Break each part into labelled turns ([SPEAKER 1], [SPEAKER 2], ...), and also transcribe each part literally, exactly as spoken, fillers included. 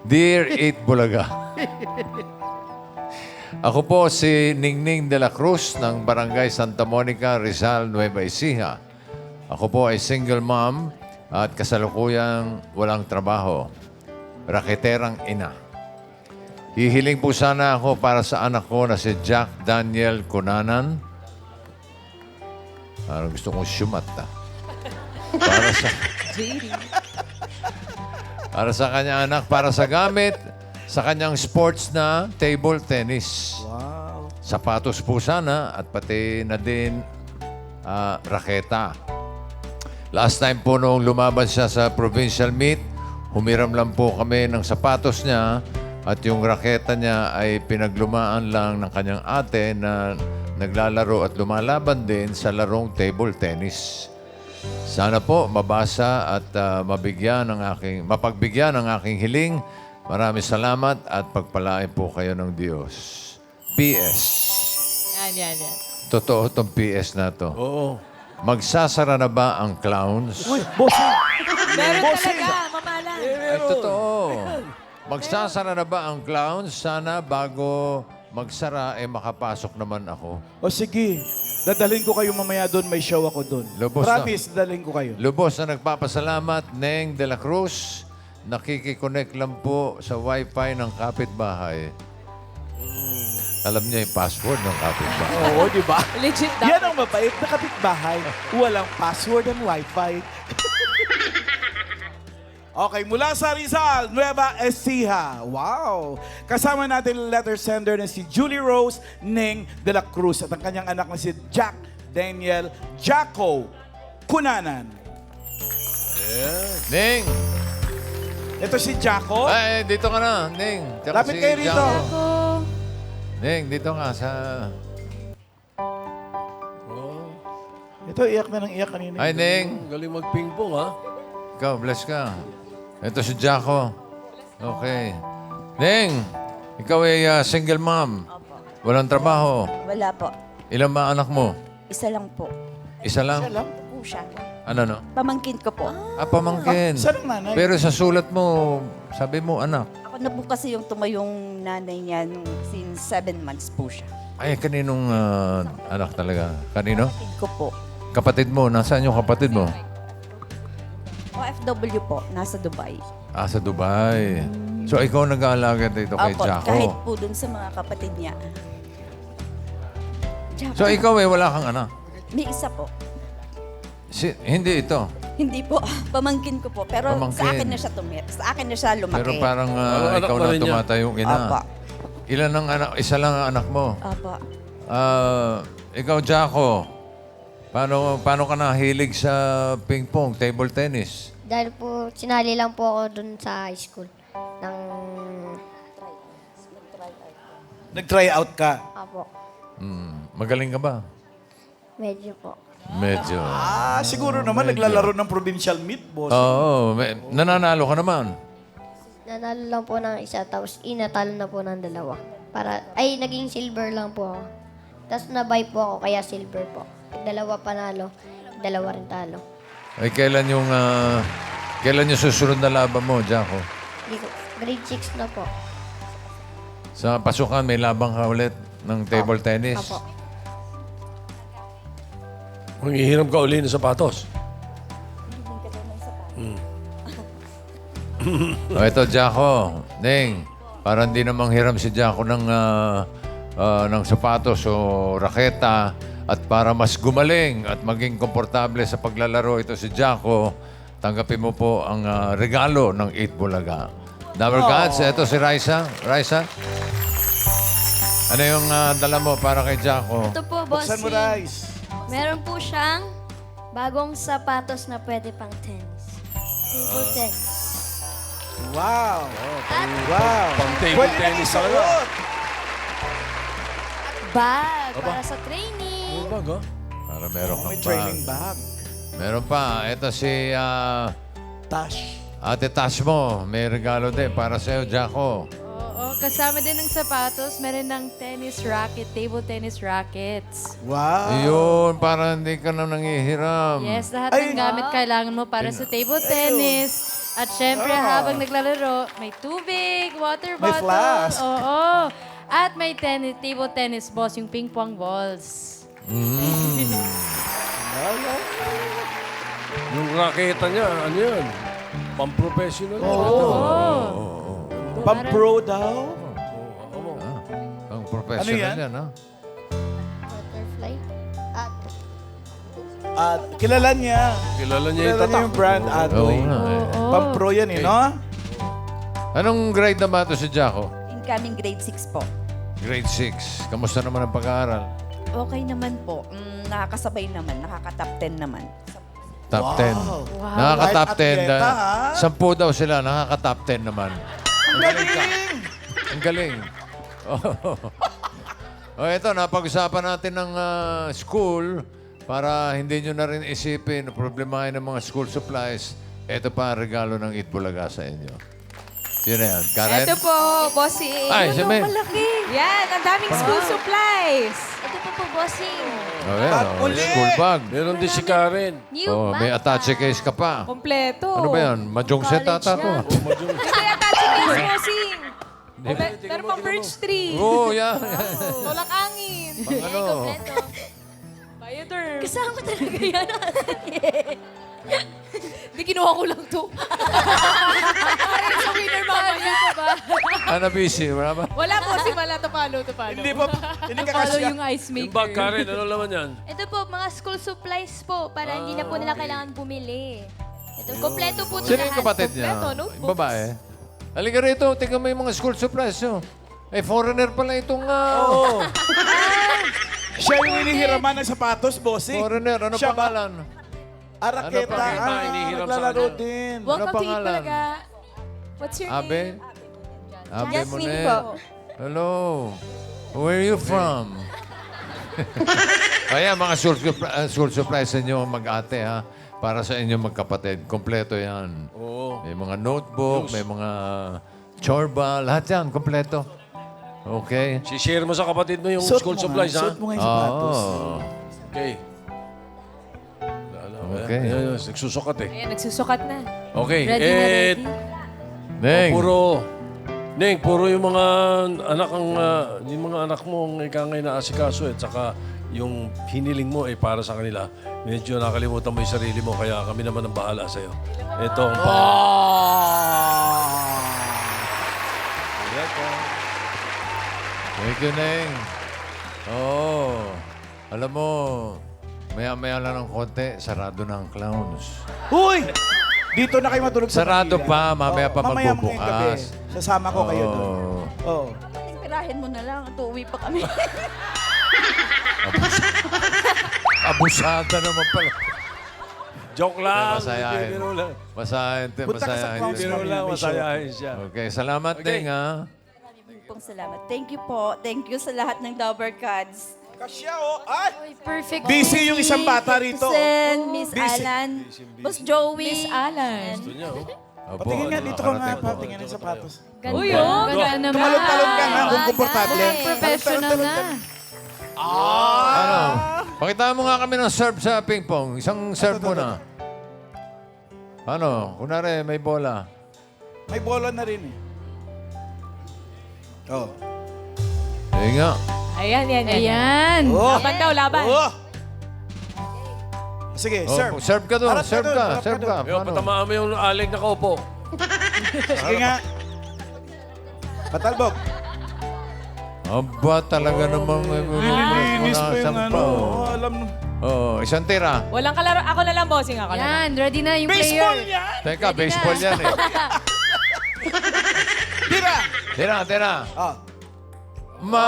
[SPEAKER 1] Dear Eat Bulaga. Ako po si Ningning de la Cruz ng Barangay Santa Monica, Rizal, Nueva Ecija. Ako po ay single mom at kasalukuyang walang trabaho. Raketerang ina. Hihiling po sana ako para sa anak ko na si Jack Daniel Cunanan. Parang gusto kong syumat, ah. Para sa... para sa kanyang anak, para sa gamit, sa kanyang sports na table tennis.
[SPEAKER 2] Wow.
[SPEAKER 1] Sapatos po sana at pati na din ah, raketa. Last time po nung lumaban siya sa provincial meet, humiram lang po kami ng sapatos niya at yung raketa niya ay pinaglumaan lang ng kanyang ate na naglalaro at lumalaban din sa larong table tennis. Sana po mabasa at uh, mabigyan ng aking, mapagbigyan ng aking hiling. Maraming salamat at pagpalain po kayo ng Diyos. P S.
[SPEAKER 3] Yan, yan, yan.
[SPEAKER 1] Totoo itong P S na to.
[SPEAKER 2] Oo.
[SPEAKER 1] Magsasara na ba ang clowns?
[SPEAKER 2] Uy, bossing!
[SPEAKER 3] Meron
[SPEAKER 2] Bossing!
[SPEAKER 3] talaga, mamala.
[SPEAKER 1] Ay, totoo. Magsasara na ba ang clowns? Sana bago magsara, eh makapasok naman ako.
[SPEAKER 2] O sige, dadalhin ko kayo mamaya doon. May show ako doon.
[SPEAKER 1] Lubos na.
[SPEAKER 2] Promise, dadalhin ko kayo.
[SPEAKER 1] Lubos na nagpapasalamat, Neng de la Cruz. Nakikiconnect lang po sa wifi ng kapitbahay. Alam niya yung password ng kapitbahay.
[SPEAKER 2] Oo, di ba?
[SPEAKER 3] Legit
[SPEAKER 2] Yan
[SPEAKER 3] dapat.
[SPEAKER 2] ang mabait na kapitbahay. Walang password and wifi. Okay, mula sa Rizal, Nueva Ecija. Wow! Kasama natin ang letter sender na si Julie Rose Ning de la Cruz at ang kanyang anak na si Jack Daniel Jacko Cunanan.
[SPEAKER 1] Neng!
[SPEAKER 2] Ito si Jacko.
[SPEAKER 1] Ay, dito ka na, Neng. Tsaka
[SPEAKER 2] Lapit
[SPEAKER 1] si
[SPEAKER 2] kayo rito.
[SPEAKER 1] Jacko. Neng, dito ka sa...
[SPEAKER 2] Ito, iyak na ng iyak kanina.
[SPEAKER 1] Ay, Neng.
[SPEAKER 4] Galing mag-ping-pong, ha?
[SPEAKER 1] Ikaw, bless ka. Ito si Jacko. Okay. Neng, ikaw ay uh, single mom. Walang trabaho.
[SPEAKER 5] Wala po.
[SPEAKER 1] Ilan ba anak mo?
[SPEAKER 5] Isa lang po.
[SPEAKER 1] Isa lang?
[SPEAKER 2] Isa lang.
[SPEAKER 5] Po siya.
[SPEAKER 1] Ano, no?
[SPEAKER 5] Pamangkin ko po.
[SPEAKER 1] Ah, pamangkin.
[SPEAKER 2] Ah, saan ang nanay?
[SPEAKER 1] Pero sa sulat mo, sabi mo, anak.
[SPEAKER 5] Ako na po kasi yung tumayong nanay niya nung since seven months po siya.
[SPEAKER 1] Ay, kaninong ah, anak talaga? Kanino?
[SPEAKER 5] Kapatid ko po.
[SPEAKER 1] Kapatid mo. Nasaan yung kapatid mo?
[SPEAKER 5] O F W po, nasa Dubai.
[SPEAKER 1] Ah, sa Dubai. So, ikaw nag-aalaga dito kay
[SPEAKER 5] Opo,
[SPEAKER 1] Jacko.
[SPEAKER 5] kahit po dun sa mga kapatid niya. Jacko,
[SPEAKER 1] So, ikaw eh, wala kang anak.
[SPEAKER 5] may isa po.
[SPEAKER 1] Si, hindi ito.
[SPEAKER 5] Hindi po, pamangkin ko po. Pero
[SPEAKER 1] Pamangkin.
[SPEAKER 5] sa akin na siya tumir. Sa akin na siya lumaki.
[SPEAKER 1] Pero parang ah,
[SPEAKER 4] Parang anak
[SPEAKER 1] ikaw
[SPEAKER 4] pa
[SPEAKER 1] na
[SPEAKER 4] rin niya.
[SPEAKER 1] tumatayong ina.
[SPEAKER 5] Opo.
[SPEAKER 1] Ilan ang anak? Isa lang ang anak mo.
[SPEAKER 5] Opo.
[SPEAKER 1] Ah, ikaw, Jacko, paano, paano ka nahilig sa ping-pong, table tennis?
[SPEAKER 6] Dahil po, sinali lang po ako dun sa high school. Ng...
[SPEAKER 2] Nag-try out ka.
[SPEAKER 6] Apo.
[SPEAKER 1] Hmm, magaling ka ba?
[SPEAKER 6] Medyo po.
[SPEAKER 1] Medyo.
[SPEAKER 2] Ah, siguro naman naglalaro ng provincial meet, boss.
[SPEAKER 1] Oo, may- nananalo ka naman.
[SPEAKER 6] Nanalo lang po ng isa, tapos inatalo na po ng dalawa. Para, ay, naging silver lang po ako. Tapos nabay po ako, kaya silver po. Dalawa panalo, dalawa rin talo.
[SPEAKER 1] Ay, kailan yung, ah, kailan yung susunod na laban mo, Jacko?
[SPEAKER 6] Di ko, grade six na po.
[SPEAKER 1] Sa pasukan, may labang ka ulit ng table tennis.
[SPEAKER 6] Apo.
[SPEAKER 4] Manghihiram ka uli ng sapatos.
[SPEAKER 1] O, ito, Jacko. Ning, parang di namang hiram si Jacko ng, ah, ah, ng sapatos o raketa. At para mas gumaling at maging komportable sa paglalaro ito si Jacko, tanggapin mo po ang ah, regalo ng Eat Bulaga. Number Gods, ito si Raisa. Raisa? Ano yung ah, dala mo para kay Jacko?
[SPEAKER 7] Ito po,
[SPEAKER 2] Buksan mo,
[SPEAKER 7] bossing.
[SPEAKER 2] Rice.
[SPEAKER 7] Meron po siyang bagong sapatos na pwede pang tennis. Table tennis.
[SPEAKER 2] Wow.
[SPEAKER 7] At
[SPEAKER 2] Wow.
[SPEAKER 4] Pang table
[SPEAKER 2] Pwede na
[SPEAKER 4] tennis talaga.
[SPEAKER 2] isuot.
[SPEAKER 7] bag para sa training.
[SPEAKER 4] Ano ba, ga?
[SPEAKER 1] Para meron kang
[SPEAKER 2] May training
[SPEAKER 1] bag.
[SPEAKER 2] bag.
[SPEAKER 1] Meron pa. Ito si ah,
[SPEAKER 2] Tash.
[SPEAKER 1] Ate Tash mo. May regalo din para sa'yo, Jacko.
[SPEAKER 3] Oo, kasama din ng sapatos, meron ng tennis racket, table tennis rackets.
[SPEAKER 2] Wow.
[SPEAKER 1] Yun, para hindi ka na nangihiram.
[SPEAKER 3] Yes, lahat
[SPEAKER 2] Ay,
[SPEAKER 3] ng gamit kailangan mo para sa table tennis, At syempre,
[SPEAKER 2] Ah.
[SPEAKER 3] habang naglalaro, may tubig, water
[SPEAKER 2] May
[SPEAKER 3] bottle.
[SPEAKER 2] flask.
[SPEAKER 3] Oo. At may tennis, table tennis balls, yung ping pong balls.
[SPEAKER 4] Yung raketa niya, ano yan? Pang-professional.
[SPEAKER 3] Oo.
[SPEAKER 2] Pang-pro daw.
[SPEAKER 1] Ang professional
[SPEAKER 2] Ano yan?
[SPEAKER 1] yan, ha?
[SPEAKER 6] Butterfly. At
[SPEAKER 2] At kilala niya.
[SPEAKER 4] Kilala niya yung
[SPEAKER 2] Kilala niya
[SPEAKER 4] tatak.
[SPEAKER 2] yung brand Adoy.
[SPEAKER 1] Oo nga, eh.
[SPEAKER 3] Oo.
[SPEAKER 2] Pang-pro yan eh, no?
[SPEAKER 1] Anong grade na ba ito si Jaco?
[SPEAKER 5] Incoming grade six po.
[SPEAKER 1] Grade six. Kamusta naman ang pag-aaral?
[SPEAKER 5] Okay naman po. Mm, nakakasabay naman. Nakaka-top ten naman.
[SPEAKER 1] Top
[SPEAKER 2] Wow.
[SPEAKER 1] ten. Nakaka-top
[SPEAKER 2] Kahit
[SPEAKER 1] ten.
[SPEAKER 2] atleta,
[SPEAKER 1] ah,
[SPEAKER 2] ha?
[SPEAKER 1] Sampu daw sila, nakaka-top ten naman.
[SPEAKER 2] Ang galing!
[SPEAKER 1] Ang galing. Oh. oh, ito, napag-usapan natin ng ah, school para hindi nyo na rin isipin problemahin ng mga school supplies. Ito pa ang regalo ng Itbulaga sa inyo. Yun na yan. Karen?
[SPEAKER 8] Ito po, bossing.
[SPEAKER 1] Ay, si Mel.
[SPEAKER 8] Yan, ang daming school supplies.
[SPEAKER 7] Ito po po, bossing.
[SPEAKER 1] Oh, yan,
[SPEAKER 2] At
[SPEAKER 1] oh,
[SPEAKER 2] uli.
[SPEAKER 1] school bag.
[SPEAKER 4] Meron din si Karen.
[SPEAKER 7] New
[SPEAKER 1] Oh, may
[SPEAKER 7] bag.
[SPEAKER 1] attache case ka pa.
[SPEAKER 8] Kompleto.
[SPEAKER 1] Ano ba yan? Mahjong set ata to.
[SPEAKER 8] Ito yung attaching case, bossing. O, mer- Meron pang birch tree.
[SPEAKER 1] Oo, oh, yan.
[SPEAKER 8] Tulak angin.
[SPEAKER 1] Pang ano?
[SPEAKER 7] Kompleto.
[SPEAKER 8] Bioderm.
[SPEAKER 7] Kasama talaga yan.
[SPEAKER 8] Hindi, kinuha ko lang to. Ay, sa winner mamaya. ba?
[SPEAKER 1] Ano, busy? Wala ba?
[SPEAKER 8] Wala po si Mala. Tupalo, tupalo.
[SPEAKER 2] Hindi pa, hindi ka
[SPEAKER 3] Follow
[SPEAKER 2] kasya.
[SPEAKER 3] yung ice
[SPEAKER 4] Yung
[SPEAKER 3] maker.
[SPEAKER 4] bag, Karen, ano naman yan?
[SPEAKER 7] Ito po, mga school supplies po para hindi na po nila kailangan bumili. Ito, kompleto po ito
[SPEAKER 1] Sino yung
[SPEAKER 7] lahat.
[SPEAKER 1] kapatid niya?
[SPEAKER 8] Kompleto, notebooks.
[SPEAKER 1] Babae. Halika rito, tingnan mo yung mga school supplies. Oh. Eh, foreigner pala itong... ah,
[SPEAKER 2] Oo. Siya yung hinihiraman ng sapatos, bossing.
[SPEAKER 1] Foreigner, ano
[SPEAKER 2] Siya ba?
[SPEAKER 1] pangalan?
[SPEAKER 2] Araketa.
[SPEAKER 1] Ano pa?
[SPEAKER 2] Ah,
[SPEAKER 4] Hinihiram sa
[SPEAKER 2] naglalaro
[SPEAKER 4] kanya.
[SPEAKER 2] din.
[SPEAKER 1] Ano
[SPEAKER 8] Welcome to
[SPEAKER 1] pangalan?
[SPEAKER 8] Itbulaga. What's your
[SPEAKER 1] Abe?
[SPEAKER 8] name?
[SPEAKER 1] Abe
[SPEAKER 7] Jasmine
[SPEAKER 1] Monet.
[SPEAKER 7] po.
[SPEAKER 1] Hello. Where are you from? Ayan, mga school, supli- uh, school supplies sa inyo mag-ate, ha? Para sa inyo magkapatid. Kompleto yan.
[SPEAKER 4] Oo.
[SPEAKER 1] May mga notebook, may mga chorba, lahat yan, kompleto. Okay?
[SPEAKER 4] Si-share mo sa kapatid mo yung
[SPEAKER 2] Suot
[SPEAKER 4] school
[SPEAKER 2] mo
[SPEAKER 4] supplies,
[SPEAKER 2] nga,
[SPEAKER 4] ha?
[SPEAKER 2] Suot mo nga yung sapatos.
[SPEAKER 1] Oh.
[SPEAKER 4] Okay.
[SPEAKER 1] Okay.
[SPEAKER 4] Ayan, ayan, nagsusukat eh.
[SPEAKER 8] Ayan, nagsusukat na.
[SPEAKER 4] Okay.
[SPEAKER 3] Ready na
[SPEAKER 4] eh,
[SPEAKER 3] ready?
[SPEAKER 1] Neng,
[SPEAKER 4] Puro, Neng, puro yung mga anak ang, ah, yung mga anak mo ang ikangay na asikaso eh. Tsaka yung hiniling mo eh para sa kanila. Medyo nakalimutan mo yung sarili mo kaya kami naman ang bahala sa'yo. Ito ang pa.
[SPEAKER 1] thank you, Neng. Oh, alam mo, maya-maya lang ng konti, sarado na ang clowns.
[SPEAKER 2] Huy! Dito na kayo matulog sa
[SPEAKER 1] Sarado
[SPEAKER 2] Manila.
[SPEAKER 1] pa, mamaya
[SPEAKER 2] Oo,
[SPEAKER 1] pa
[SPEAKER 2] mamaya ngayong gabi.
[SPEAKER 1] magbubukas.
[SPEAKER 2] Sasama ko kayo doon.
[SPEAKER 1] Oo.
[SPEAKER 2] Oo.
[SPEAKER 5] Pirahin mo na lang. Tuuwi pa kami.
[SPEAKER 1] Abusada naman pala.
[SPEAKER 4] Joke lang.
[SPEAKER 1] Masayahin.
[SPEAKER 4] Biro lang.
[SPEAKER 1] Masayahin, te,
[SPEAKER 2] Punta ka sa
[SPEAKER 1] masayahin.
[SPEAKER 2] clowns
[SPEAKER 4] Biro lang,
[SPEAKER 2] May show.
[SPEAKER 4] masayahin siya.
[SPEAKER 1] Okay, salamat,
[SPEAKER 4] Okay.
[SPEAKER 1] Neng, ha?
[SPEAKER 5] Maraming pong salamat. Thank you po. Thank you sa lahat ng Dover Cards.
[SPEAKER 2] Kasya, oh. Ay!
[SPEAKER 3] Uy, perfect.
[SPEAKER 2] Busy yung isang bata rito.
[SPEAKER 5] Sen, Miss
[SPEAKER 2] Busy.
[SPEAKER 5] Alan, Boss Joey.
[SPEAKER 3] Miss Alan.
[SPEAKER 4] Gusto niya, oh.
[SPEAKER 1] Opo,
[SPEAKER 2] Patingin nga, dito ka nga.
[SPEAKER 1] nakarating po.
[SPEAKER 2] Patingin ang sapatos.
[SPEAKER 3] Ganda.
[SPEAKER 8] Uy, oh.
[SPEAKER 3] Ganda naman.
[SPEAKER 2] Tumalog-talog ka nga kung komportable.
[SPEAKER 3] Mukhang professional na.
[SPEAKER 1] Ano? Pakita mo nga kami ng serve sa ping pong. Isang serve mo na. Ano? Kunwari, may bola.
[SPEAKER 2] May bola na rin eh. Oh.
[SPEAKER 1] Eh nga.
[SPEAKER 8] Ayan, yan, yan.
[SPEAKER 3] Ayan.
[SPEAKER 2] Oh.
[SPEAKER 8] Laban daw, laban.
[SPEAKER 2] Oh! Sige,
[SPEAKER 1] Oh,
[SPEAKER 2] serve.
[SPEAKER 1] serve ka doon.
[SPEAKER 2] Harap ka
[SPEAKER 1] Serve
[SPEAKER 2] doon,
[SPEAKER 1] ka.
[SPEAKER 2] harap ka
[SPEAKER 1] Serve
[SPEAKER 2] doon.
[SPEAKER 1] ka.
[SPEAKER 4] Yo,
[SPEAKER 1] Paano?
[SPEAKER 4] patamaan mo yung alig na kaupo.
[SPEAKER 2] Sige nga. Patalbog.
[SPEAKER 1] Aba, talaga namang...
[SPEAKER 2] Nililinis pa yung
[SPEAKER 1] Sampa,
[SPEAKER 2] ano.
[SPEAKER 1] oh.
[SPEAKER 2] Oh, alam mo.
[SPEAKER 1] Oo, isang tira.
[SPEAKER 8] Walang kalaro. Ako na lang, bossing. Ako na lang.
[SPEAKER 3] Yan, ready na yung
[SPEAKER 2] Baseball
[SPEAKER 3] player.
[SPEAKER 2] yan!
[SPEAKER 1] Teka, baseball yan eh.
[SPEAKER 2] Tira!
[SPEAKER 1] Tira, tira.
[SPEAKER 2] Oh.
[SPEAKER 1] Ma!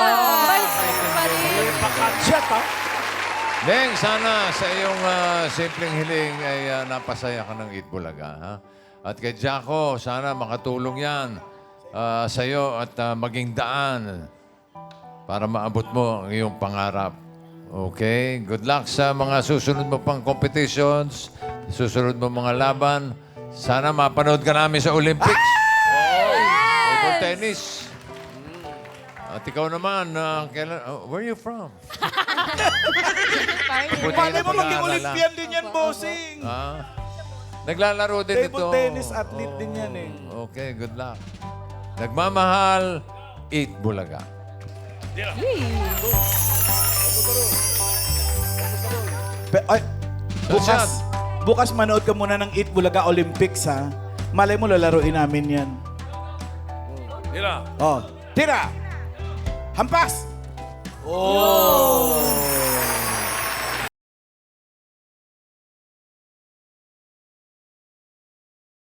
[SPEAKER 2] Pakatsyat ha?
[SPEAKER 1] Neng, sana sa iyong ah, simpleng hiling ay ah, napasaya ka ng Itbulaga, ha? At kay Jaco, sana makatulong yan ah, sa iyo at ah, maging daan para maabot mo ang iyong pangarap. Okay? Good luck sa mga susunod mo pang competitions, susunod mo mga laban. Sana mapanood ka namin sa Olympics. Table tennis. At ikaw naman, ah, kailan, oh, where are you from? Mabuti
[SPEAKER 2] Paano
[SPEAKER 1] na
[SPEAKER 2] mo maging
[SPEAKER 1] pag-aaral,
[SPEAKER 2] Olympian din yan, bossing?
[SPEAKER 1] ah. Naglalaro din
[SPEAKER 2] Table
[SPEAKER 1] ito.
[SPEAKER 2] tennis athlete din yan eh.
[SPEAKER 1] Okay, good luck. Nagmamahal, eat bulaga.
[SPEAKER 2] Pe- ay, bukas, bukas manood ka muna ng Eat Bulaga Olympics ha. Malay mo lalaruin namin yan.
[SPEAKER 4] Tira.
[SPEAKER 2] Oh, tira! Hampas!
[SPEAKER 4] Oh!